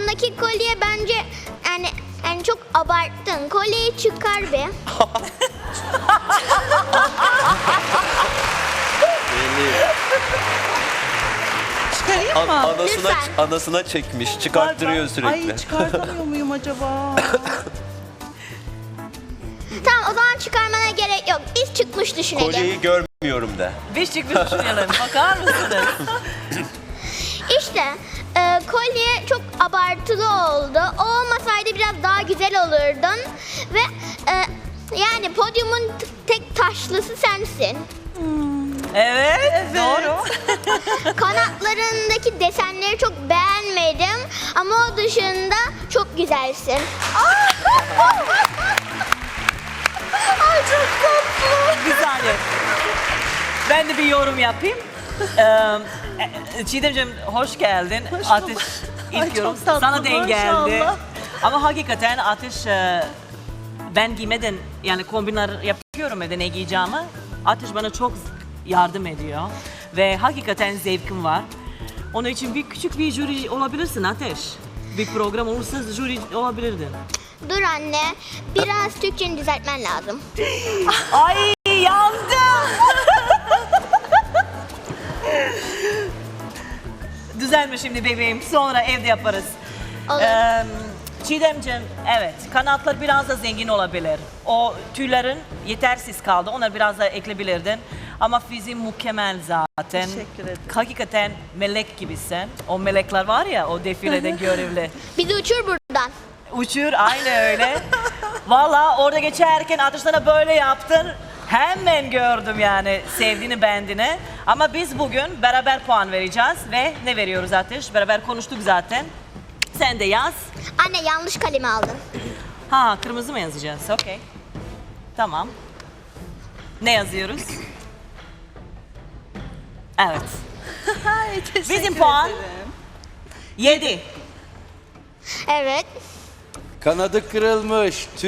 Kolundaki kolye bence yani çok abarttın. Kolyeyi çıkar be. Çıkarayım mı? Lütfen. Anasına çekmiş, çıkarttırıyor sürekli. Ay çıkartamıyor muyum acaba? Tamam, o zaman çıkarmana gerek yok. Biz çıkmış düşünelim. Kolyeyi görmüyorum de. Biz çıkmış düşünelim. Bakar mısınız? İşte kolye çok abartılı oldu. O olmasaydı biraz daha güzel olurdun. Ve yani podyumun tek taşlısı sensin. Evet, doğru. Kanatlarındaki desenleri çok beğenmedim. Ama o dışında çok güzelsin. Ay çok tatlı. Bir saniye. Ben de bir yorum yapayım. Çiğdemciğim hoş geldin. Hoş Ateş bulduk. ilk Ay, yorum çok tatlı, sana denk geldi. maşallah. Ama hakikaten Ateş ben giymeden yani kombinler yapıyorum evde ne giyeceğimi. Ateş bana çok yardım ediyor. Ve hakikaten zevkim var. Onun için küçük bir jüri olabilirsin Ateş. Bir program olursa jüri olabilirdin. Dur anne, biraz Türkçeni düzeltmen lazım. Ay yandım. Düzelme şimdi bebeğim. Sonra evde yaparız. Olur. Çiğdemciğim, evet kanatlar biraz da zengin olabilir. O tüylerin yetersiz kaldı. Onları biraz da ekleyebilirdin. Ama fiziğin mükemmel zaten. Teşekkür ederim. Hakikaten melek gibisin. O melekler var ya o defilede görevli. Bizi uçur buradan. Uçur aynı öyle. Valla orada geçerken Ateş sana böyle yaptın. Hemen gördüm yani sevdiğini beğendiğini. Ama biz bugün beraber puan vereceğiz ve ne veriyoruz Ateş? Beraber konuştuk zaten. Sen de yaz. Anne, yanlış kalemi aldın. Ha kırmızı mı yazacağız? Okey. Tamam. Ne yazıyoruz? Evet. Ay, teşekkür Bizim puan ederim. 7. Evet. Kanadı kırılmış.